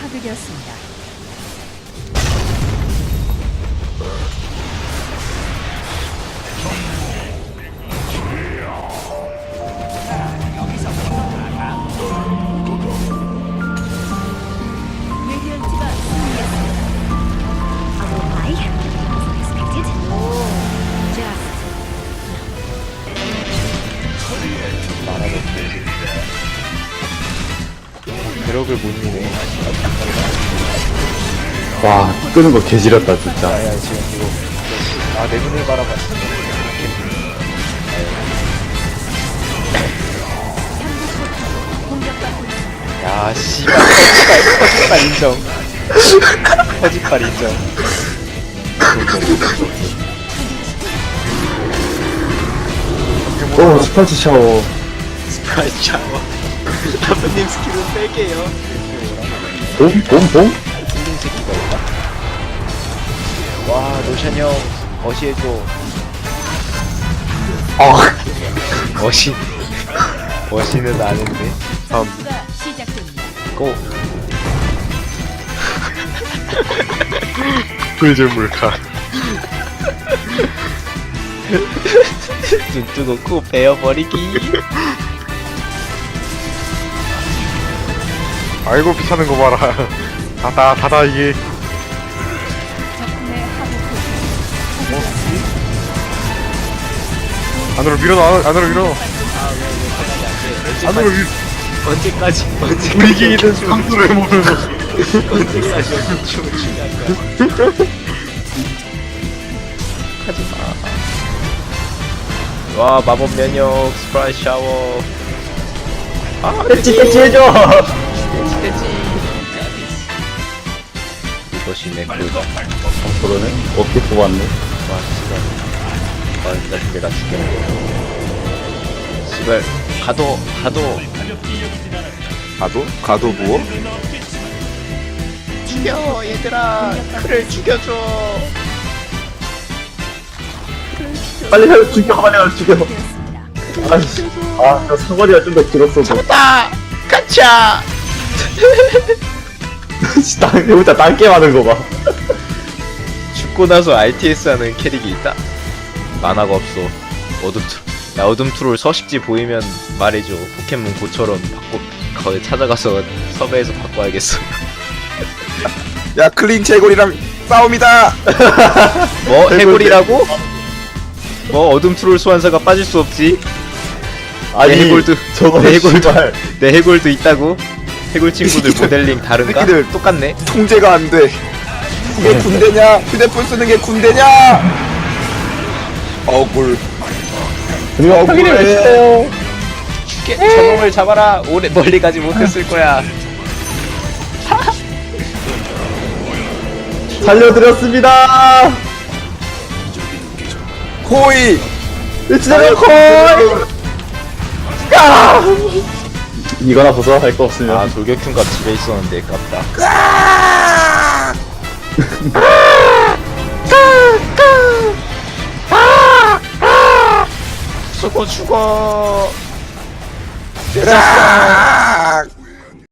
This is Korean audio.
파괴되었습니다. 레디언트가 승리했습니다. 배럭을 못 미네. 와, 끄는 거 개지렸다, 진짜. 아야 지금 이거. 아 내 눈을 바라봐. 야 씨발 허짓발 인정. 허짓발 인정. 오, 스파이스 샤워. 스프라이트 샤워. 아버님 스킬은 뺄게요. 봄? 봄? 봄? 틀린 새끼가 있다. 와 노션 형 어시해줘. 아, 어시는 아는데. 다음 수가 시작됩니다. 고. 꿀잼물카. 눈 뜨고 코 베어버리기. 아이고 비타는 거 봐라. 다다 이게. 적군의 하부 포탑 안으로 밀어넣어. 안으로 밀어. 안으로 밀. 언제까지 우리 기기는 상수를 모르는. 언제까지 춤을 추냐 하지마. 와 마법 면역 스프라이트 샤워. 아 떼찌 해줘! 돼지. 이것이 내 꿀. 그러네? 어깨 뽑았네. 와 씨발. 나 내가 죽겠네. 씨발 가도. 가도 누워? 죽여 얘들아. 그를 죽여줘. 빨리 해, 죽여, 빨리 해, 죽여. 되었습니다. 아이씨. 아, 저 사거리가 좀 더 길었어도. 잡았다. 가차. 해보자, 땅게 하는 거 봐. 죽고 나서 RTS 하는 캐릭이 있다? 만화가 없어. 야 어둠 트롤 서식지 보이면 말해줘. 포켓몬 고처럼 거기 찾아가서 섭외해서 바꿔야겠어. 야 클린 제골이랑 싸움이다. 뭐 해골이라고? 뭐 어둠 트롤 소환사가 빠질 수 없지. 아니, 해골도 저거 내 해골도 씨발. 내 해골도 있다고. 해골 친구들 모델링 다른가? 새끼들. 똑같네. 통제가 안 돼. 그게 군대냐? 휴대폰 쓰는 게 군대냐? 억울. 그리고 확인을 해주세요. 저놈을 잡아라. 오래 멀리 가지 못했을 거야. 살려드렸습니다. 코이. 진짜 콜. 야! 이거나 보소 할 거 없으면. 아 돌격흉가 집에 있었는데 깝다. 죽어. 늦었어.